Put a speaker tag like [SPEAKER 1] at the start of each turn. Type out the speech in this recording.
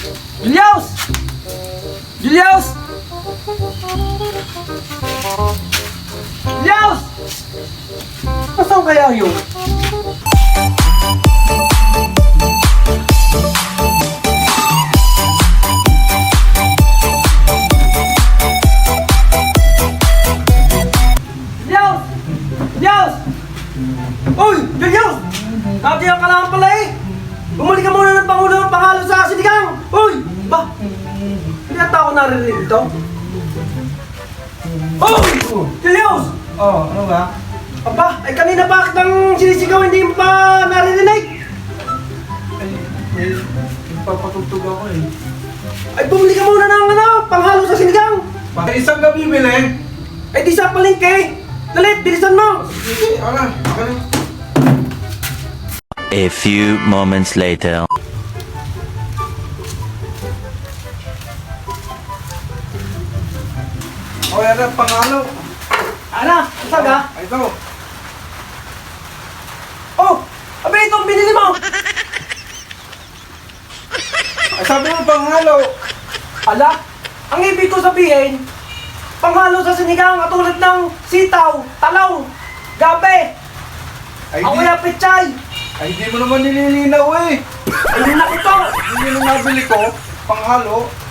[SPEAKER 1] Julius! Julius! Julius! Nasaan kaya yun? Julius! Julius! Uy! Julius! Katiyan ka lang pala eh! Bumalik ka muna ng Pangulo ng pangalo sa sinigang! Uy! Ba? Hindi ata ako naririnig ito. Uy! Julius!
[SPEAKER 2] Oh, ano ba?
[SPEAKER 1] Aba, ay kanina pa kitang sinisigaw, hindi mo pa naririnig?
[SPEAKER 2] Ay, papatugtog ako eh.
[SPEAKER 1] Ay bumili ka muna ng panghalo sa sinigang!
[SPEAKER 2] Bakit isang gabi bili?
[SPEAKER 1] Ay di sa palengke! Dalit, bilisan mo!
[SPEAKER 2] Sige, ala.
[SPEAKER 3] A few moments later.
[SPEAKER 2] O, yan ang pangalo.
[SPEAKER 1] Ana, ang saga?
[SPEAKER 2] Ay, ito.
[SPEAKER 1] Oh! Abay, ito ang binili mo!
[SPEAKER 2] Ay, sabi mo pangalo.
[SPEAKER 1] Ala, ang ibig ko sabihin, panghalo sa sinigang at tulad ng sitaw, talong, gabi,
[SPEAKER 2] Ay,
[SPEAKER 1] o
[SPEAKER 2] di,
[SPEAKER 1] kaya pechay.
[SPEAKER 2] ay, di mo naman nililinaw eh.
[SPEAKER 1] Ay, naku to!
[SPEAKER 2] Hindi nung nabili ko, panghalo.